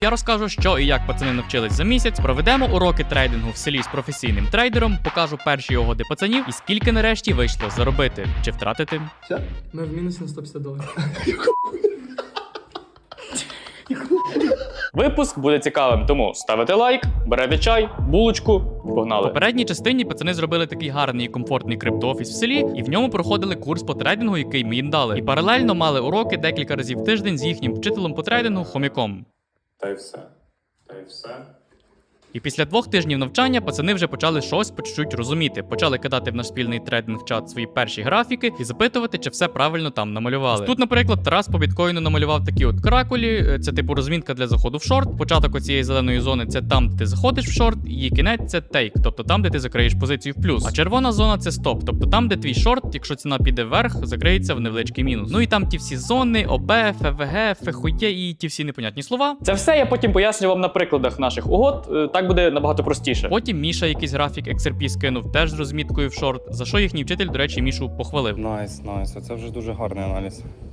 Я розкажу, що і як пацани навчились за місяць, проведемо уроки трейдингу в селі з професійним трейдером, покажу перші угоди пацанів і скільки нарешті вийшло заробити чи втратити. Все? Ми в мінус на $150. Випуск буде цікавим, тому ставите лайк, берете чай, булочку і погнали. В попередній частині пацани зробили такий гарний і комфортний криптоофіс в селі, і в ньому проходили курс по трейдингу, який ми їм дали. І паралельно мали уроки декілька разів в тиждень з їхнім вчителем по трейдингу Хомяком. Та й все. І після 2 тижнів навчання пацани вже почали щось по чуть-чуть розуміти. Почали кидати в наш спільний трейдинг-чат свої перші графіки і запитувати, чи все правильно там намалювали. Тут, наприклад, Тарас по біткоїну намалював такі от каракулі, це типу розмінка для заходу в шорт. Початок оцієї зеленої зони це там, де ти заходиш в шорт, і її кінець це тейк, тобто там, де ти закриєш позицію в плюс. А червона зона це стоп, тобто там, де твій шорт, якщо ціна піде вверх, закриється в невеличкий мінус. Ну і там ті всі зони, ОБ, ФВГ, ФХУЄ і ті всі непонятні слова. Це все я потім поясню вам на прикладах наших угод. Так буде набагато простіше. Потім Міша якийсь графік XRP скинув теж з розміткою в шорт, за що їхній вчитель, до речі, Мішу похвалив. Найс. Оце вже дуже гарний аналіз.